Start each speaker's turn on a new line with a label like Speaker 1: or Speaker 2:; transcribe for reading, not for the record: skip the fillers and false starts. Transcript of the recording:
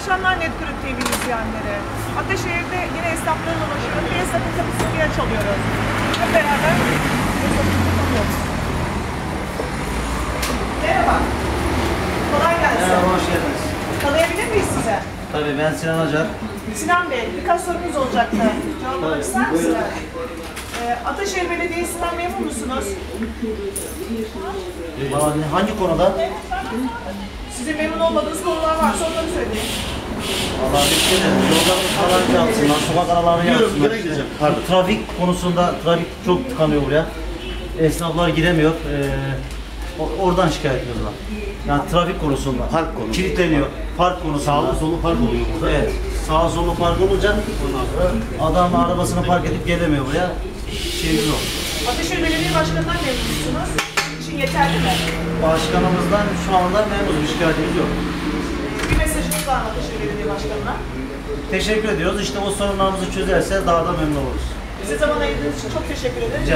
Speaker 1: akşamlar Netgroup TV izleyenleri. Ataşehir'de yine esnaflarla ulaşıyorum. Bir esnafın kapısını bir çalıyoruz. Hep beraber esnafımızı tanıyoruz. Merhaba. Kolay gelsin.
Speaker 2: Merhaba, hoş geldiniz.
Speaker 1: Tanıyabilir miyiz size?
Speaker 2: Tabii ben Sinan Acar.
Speaker 1: Sinan Bey, birkaç sorumuz olacaktı. Cevaplamak ister misiniz? Ataşehir Belediyesi'nden memnun musunuz?
Speaker 2: Hangi konuda?
Speaker 1: Sizin memnun olmadığınız konular varsa onları söyleyin.
Speaker 2: Vallahi bir yollarımız falan yapsınlar, sokak aralarını yapsınlar. Pardon. Trafik konusunda, trafik çok tıkanıyor buraya. Esnaflar giremiyor. Oradan şikayet ediyorlar. Yani trafik konusunda.
Speaker 3: Park konusunda.
Speaker 2: Kilitleniyor. Park konusunda.
Speaker 3: Sağlı solu park oluyor burada.
Speaker 2: Evet. Sağa solu park olunca adam arabasını park edip gelemiyor buraya. Şeyimiz o.
Speaker 1: Ataşehir Belediye Başkanı'ndan memnun musunuz? İşin yeterli mi?
Speaker 2: Başkanımızdan şu anda memnunuz, bir şikayetimiz yok.
Speaker 1: Bir mesajınız var mı Ataşehir Belediye Başkanı'na?
Speaker 2: Teşekkür ediyoruz. İşte o sorunlarımızı çözerse daha da memnun oluruz.
Speaker 1: Bize zaman ayırdığınız için çok teşekkür ederim.